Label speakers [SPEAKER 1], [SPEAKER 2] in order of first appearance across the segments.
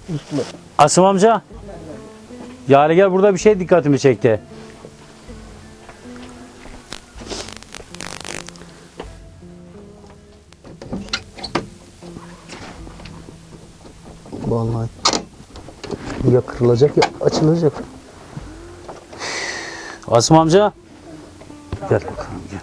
[SPEAKER 1] Uslu.
[SPEAKER 2] Asım amca. Yani gel, burada bir şey dikkatimi çekti.
[SPEAKER 1] Vallahi. Ya kırılacak ya açılacak.
[SPEAKER 2] Asım amca. Gel bakalım, gel.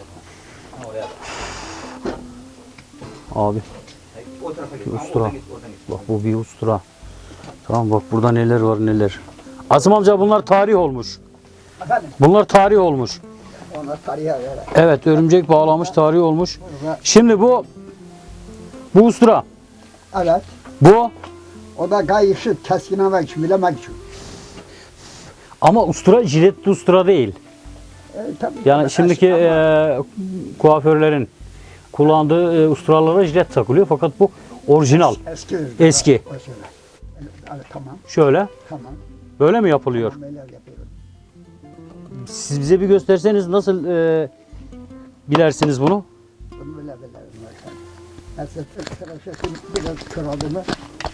[SPEAKER 2] Abi. Bir ustura. Bak bu bir ustura. Tamam, bak burada neler var neler. Asım amca, bunlar tarih olmuş.
[SPEAKER 1] Efendim?
[SPEAKER 2] Bunlar tarih olmuş.
[SPEAKER 1] Onlar tarihe göre.
[SPEAKER 2] Evet, örümcek bağlamış, tarih olmuş. Şimdi bu ustura.
[SPEAKER 1] Evet.
[SPEAKER 2] Bu
[SPEAKER 1] O da kayışı keskinlemek için, bilemek için.
[SPEAKER 2] ama ustura jiletli ustura değil.
[SPEAKER 1] Tabii.
[SPEAKER 2] Yani şimdiki kuaförlerin kullandığı usturalara jilet takılıyor, fakat bu orijinal.
[SPEAKER 1] Eski.
[SPEAKER 2] Eski.
[SPEAKER 1] O şöyle. Evet, tamam.
[SPEAKER 2] Şöyle.
[SPEAKER 1] Tamam.
[SPEAKER 2] Böyle mi yapılıyor?
[SPEAKER 1] Böyle yapıyorum.
[SPEAKER 2] Siz bize bir gösterseniz nasıl bilersiniz bunu?
[SPEAKER 1] Bunu böyle. Mesela tıraşı biraz kırıldı mı?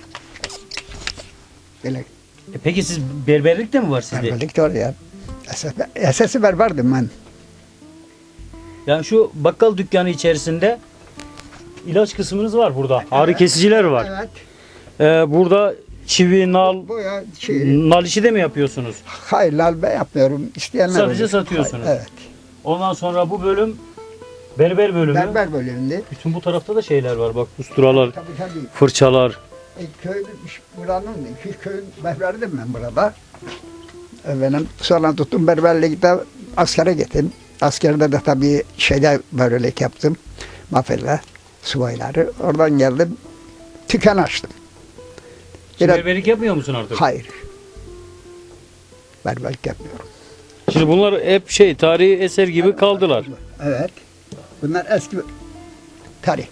[SPEAKER 1] Böyle.
[SPEAKER 2] Peki siz berberlik de mi var sizde?
[SPEAKER 1] Berberlik de oraya. Esası berberdim ben.
[SPEAKER 2] Yani şu bakkal dükkanı içerisinde ilaç kısmınız var burada. Ağrı kesiciler var.
[SPEAKER 1] Evet.
[SPEAKER 2] Burada çivi, nal,
[SPEAKER 1] Bu ya
[SPEAKER 2] nal işi de mi yapıyorsunuz?
[SPEAKER 1] hayır lal ben yapmıyorum. İsteyenler
[SPEAKER 2] Sadece
[SPEAKER 1] olur.
[SPEAKER 2] satıyorsunuz.
[SPEAKER 1] Evet.
[SPEAKER 2] Ondan sonra bu bölüm berber bölümü.
[SPEAKER 1] Berber bölümünde.
[SPEAKER 2] Bütün bu tarafta da şeyler var. Bak, usturalar,
[SPEAKER 1] Tabii.
[SPEAKER 2] fırçalar.
[SPEAKER 1] Köyün, buranın iki köyün berberdim ben burada. Benim sonra tuttum berberlikte askere gittim. Askerde de tabii berberlik yaptım. Mafella, subayları. Oradan geldim. Tüken açtım.
[SPEAKER 2] Şimdi
[SPEAKER 1] Biraz-
[SPEAKER 2] berberlik yapmıyor musun artık?
[SPEAKER 1] Hayır. Berberlik yapmıyorum.
[SPEAKER 2] Şimdi bunlar hep tarihi eser gibi kaldılar.
[SPEAKER 1] Evet. Bunlar eski tarih.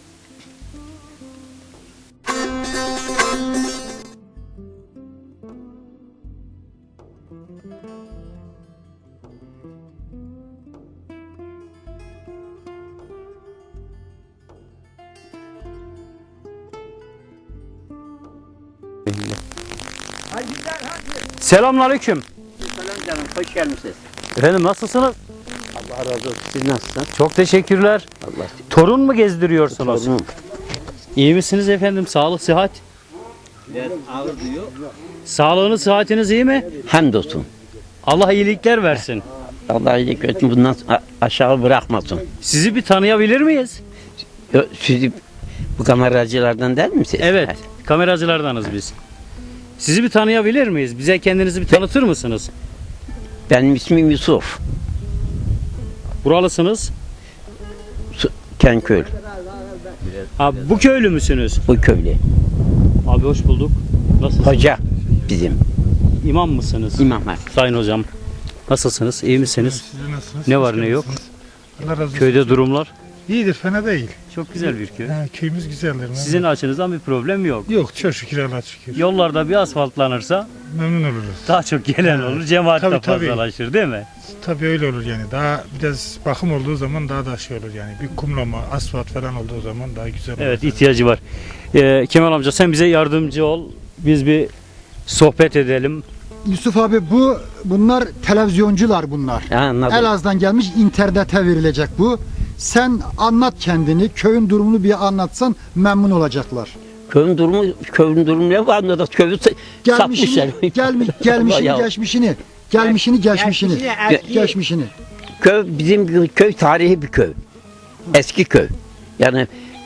[SPEAKER 2] Selamünaleyküm.
[SPEAKER 3] Selam canım, hoş gelmişsiniz.
[SPEAKER 2] Efendim, nasılsınız?
[SPEAKER 3] Allah razı olsun. Siz nasılsınız?
[SPEAKER 2] Çok teşekkürler.
[SPEAKER 3] Allah
[SPEAKER 2] Torun mu gezdiriyorsunuz?
[SPEAKER 3] torunum.
[SPEAKER 2] İyi misiniz efendim? Sağlık, sıhhat.
[SPEAKER 3] Biraz ağır duyuyor.
[SPEAKER 2] Sağlığınız, sıhhatiniz iyi mi?
[SPEAKER 3] Hamdolsun.
[SPEAKER 2] Allah iyilikler versin.
[SPEAKER 3] Allah iyilik versin. Bundan aşağı bırakmasın.
[SPEAKER 2] Sizi bir tanıyabilir miyiz?
[SPEAKER 3] Siz bu kameracılardan değil misiniz?
[SPEAKER 2] Evet, kameracılardanız biz. Sizi bir tanıyabilir miyiz? Bize kendinizi bir tanıtır mısınız?
[SPEAKER 3] Benim ismim Yusuf.
[SPEAKER 2] Buralısınız.
[SPEAKER 3] Kenköy.
[SPEAKER 2] Ha, bu köylü müsünüz?
[SPEAKER 3] Bu köylü.
[SPEAKER 2] Abi hoş bulduk. Nasılsınız?
[SPEAKER 3] Hoca bizim.
[SPEAKER 2] İmam mısınız?
[SPEAKER 3] İmam var.
[SPEAKER 2] Sayın hocam. Nasılsınız? İyi misiniz?
[SPEAKER 4] Siz nasılsınız?
[SPEAKER 2] Ne
[SPEAKER 4] Hoş
[SPEAKER 2] var ne yok?
[SPEAKER 4] geldiniz. Allah razı olsun.
[SPEAKER 2] Köyde durumlar
[SPEAKER 4] İyidir, fena değil.
[SPEAKER 2] çok güzel bir köy.
[SPEAKER 4] Ha, köyümüz güzeldir.
[SPEAKER 2] Sizin açınızdan bir problem yok.
[SPEAKER 4] Yok, çok şükür Allah'a şükür.
[SPEAKER 2] Yollarda bir asfaltlanırsa
[SPEAKER 4] Memnun oluruz.
[SPEAKER 2] daha çok gelen olur. Cemaat de
[SPEAKER 4] Tabii.
[SPEAKER 2] fazlalaşır, değil mi?
[SPEAKER 4] Tabii öyle olur yani. Daha biraz bakım olduğu zaman daha da şey olur yani. Bir kumlama, asfalt falan olduğu zaman daha güzel olur.
[SPEAKER 2] Evet, ihtiyacı var. Kemal amca, sen bize yardımcı ol. Biz bir sohbet edelim.
[SPEAKER 5] Yusuf abi bunlar televizyoncular bunlar.
[SPEAKER 3] Ha, anladım.
[SPEAKER 5] Elazığ'dan gelmiş, internete verilecek bu. Sen anlat kendini, köyün durumunu bir anlatsan memnun olacaklar.
[SPEAKER 3] Köyün durumu ne var? Anladım. Köyü satmışlar.
[SPEAKER 5] Gelmişini,
[SPEAKER 3] Ya.
[SPEAKER 5] geçmişini, geçmişini.
[SPEAKER 3] Köy bizim köy tarihi bir köy. Eski köy. Yani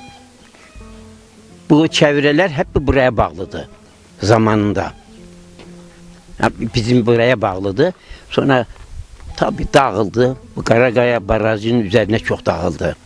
[SPEAKER 3] bu çevreler hep buraya bağlıdı zamanında. Yani bizim buraya bağlıdı. Sonra tabii dağıldı. Bu Karagaya Barajı'nın üzerine çok dağıldı.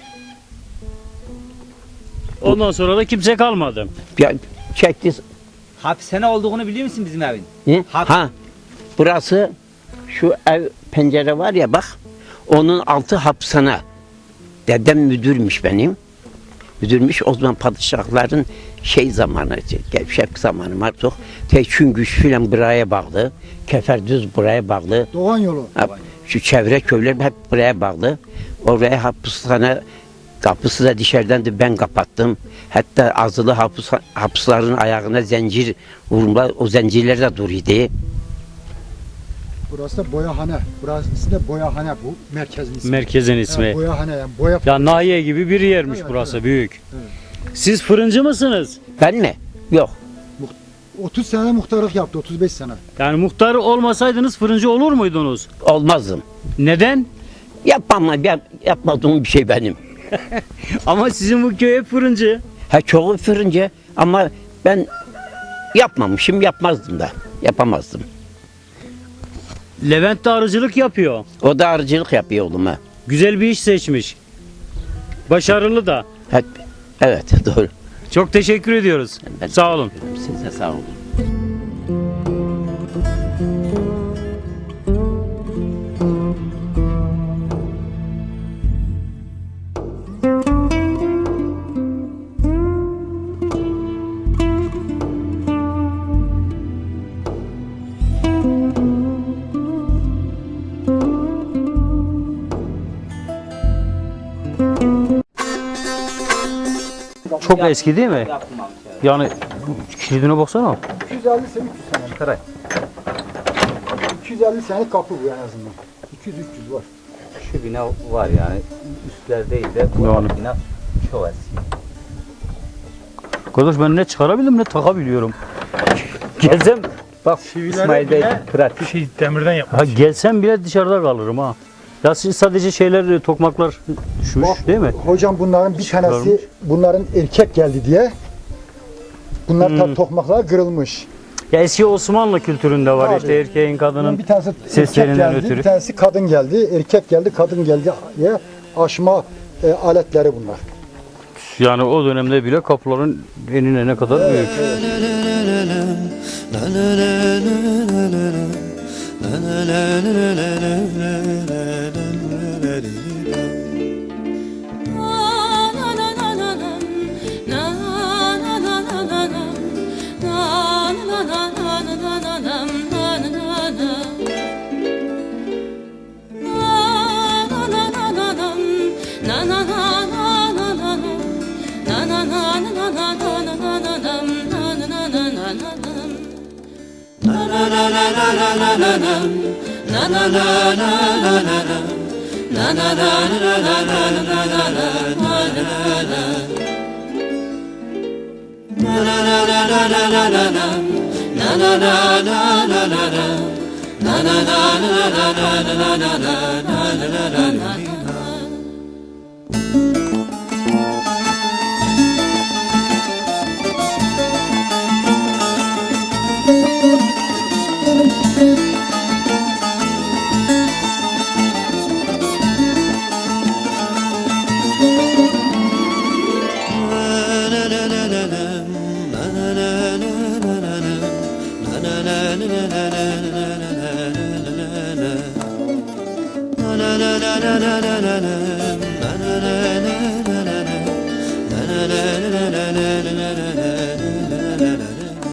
[SPEAKER 2] Ondan sonra da kimse kalmadı.
[SPEAKER 3] Ya çekti.
[SPEAKER 6] Hapishane olduğunu biliyor musun bizim evin?
[SPEAKER 3] Ne?
[SPEAKER 6] Hap-
[SPEAKER 3] Ha. Burası şu ev pencere var ya bak. Onun altı hapishane. Dedem müdürmüş benim. Müdürmüş o zaman padişahların zamanı, gevşek zamanı artık. Teçhüngüş filan buraya bağlı. Keferdüz buraya bağlı.
[SPEAKER 5] Doğan yolu.
[SPEAKER 3] Şu çevre köyler hep buraya bağlı. Oraya hapishane Kapısı da dışarıdan da ben kapattım. Hatta azılı hapısların ayağına zincir vurma, o zincirler de duruyordu.
[SPEAKER 5] Burası da boyahane. Burası da boyahane bu. Merkezin ismi.
[SPEAKER 2] Merkezin ismi.
[SPEAKER 5] Evet, boyahane yani. Boya
[SPEAKER 2] Ya nahiye gibi bir yermiş
[SPEAKER 5] Evet,
[SPEAKER 2] burası,
[SPEAKER 5] evet.
[SPEAKER 2] büyük. Siz fırıncı mısınız?
[SPEAKER 3] Ben mi? Yok.
[SPEAKER 5] 30 sene muhtarlık yaptı. 35 sene.
[SPEAKER 2] Yani muhtar olmasaydınız fırıncı olur muydunuz?
[SPEAKER 3] Olmazdım.
[SPEAKER 2] Neden?
[SPEAKER 3] Yapmadığım bir şey benim.
[SPEAKER 2] Ama sizin bu köy hep fırıncı.
[SPEAKER 3] Ha çoğu fırıncı ama ben yapmamışım, yapmazdım da. Yapamazdım.
[SPEAKER 2] Levent de arıcılık yapıyor.
[SPEAKER 3] O da arıcılık yapıyor oğluma.
[SPEAKER 2] Güzel bir iş seçmiş. Başarılı da.
[SPEAKER 3] Evet doğru.
[SPEAKER 2] Çok teşekkür ediyoruz.
[SPEAKER 3] Ben
[SPEAKER 2] Sağ olun.
[SPEAKER 3] Size sağ olun.
[SPEAKER 2] Çok eski değil mi? Yani kilidine baksana.
[SPEAKER 5] 250 sene 300 sene.
[SPEAKER 2] Karay.
[SPEAKER 5] 250 sene kapı bu en azından. 200-300 var.
[SPEAKER 6] Şu bina var yani. Üstler değil de bu
[SPEAKER 2] Yani.
[SPEAKER 6] bina çok eski.
[SPEAKER 2] Arkadaş ben ne çıkarabildim ne takabiliyorum. Gelsem
[SPEAKER 6] Bak İsmail Bey pratik.
[SPEAKER 4] Şey demirden yapmış.
[SPEAKER 2] ha gelsem bile dışarıda kalırım ha. Ya siz sadece şeyler tokmaklar düşmüş
[SPEAKER 5] Bak,
[SPEAKER 2] değil mi?
[SPEAKER 5] Hocam bunların bir
[SPEAKER 2] Çıkarmış.
[SPEAKER 5] tanesi bunların erkek geldi diye. Bunlar
[SPEAKER 2] Hmm.
[SPEAKER 5] tabi tokmaklar kırılmış.
[SPEAKER 2] Ya eski Osmanlı kültüründe var
[SPEAKER 5] Tabii.
[SPEAKER 2] işte erkeğin kadının
[SPEAKER 5] Bir tanesi erkek
[SPEAKER 2] seslerinden
[SPEAKER 5] geldi,
[SPEAKER 2] ötürü.
[SPEAKER 5] bir tanesi kadın geldi. Erkek geldi, kadın geldi diye aşma aletleri bunlar.
[SPEAKER 2] Yani o dönemde bile kapıların enine ne kadar büyük.
[SPEAKER 7] la la la la